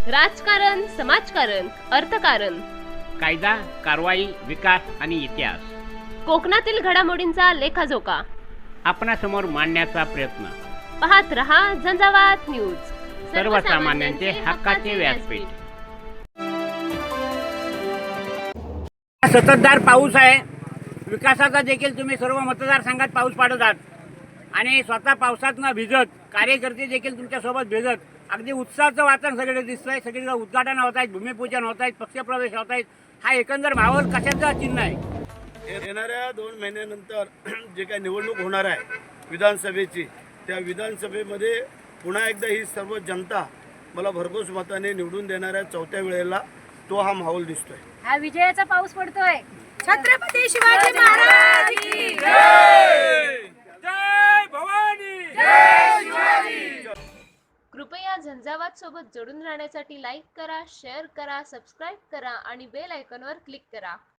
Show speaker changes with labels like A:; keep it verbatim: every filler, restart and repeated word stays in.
A: राजकारण, समाजकारण, अर्थकारण,
B: कायदा, कारवाई, विकास आणि इतिहास,
A: कोकणातील घडामोडींचा लेखाजोखा
B: आपणासमोर मांडण्याचा प्रयत्न.
A: पाहत रहा झंझावात न्यूज,
B: सर्वसामान्यांचे हक्काचे व्यासपीठ. सततधार पाऊस आहे. विकासाचा देखील तुम्ही सर्व मतदारसंघात पाऊस पाडत आहात आणि स्वतः पावसात न भिजत कार्यकर्ते देखील तुमच्यासोबत भिजत अगदी उत्साहाचं वातावरण सगळीकडे दिसतंय. सगळीकडे उद्घाटन होत आहेत, भूमिपूजन होत आहेत, पक्षप्रवेश होत आहेत. हा एकंदर माहोल कशाचा चिन्ह आहे?
C: येणाऱ्या दोन महिन्यानंतर जे काही निवडणूक होणार आहे विधानसभेची, त्या विधानसभेमध्ये पुन्हा एकदा ही सर्व जनता मला भरघोस मताने निवडून देणाऱ्या चौथ्या वेळेला तो हा माहोल दिसतोय.
D: हा विजयाचा पाऊस पडतोय. छत्रपती शिवाजी महाराज की
C: जय! जय भवानी! जय शिवाजी!
A: कृपया झंझावात सोबत जोडून राहण्यासाठी लाईक करा, शेअर करा, सबस्क्राईब करा आणि बेल आयकॉनवर क्लिक करा.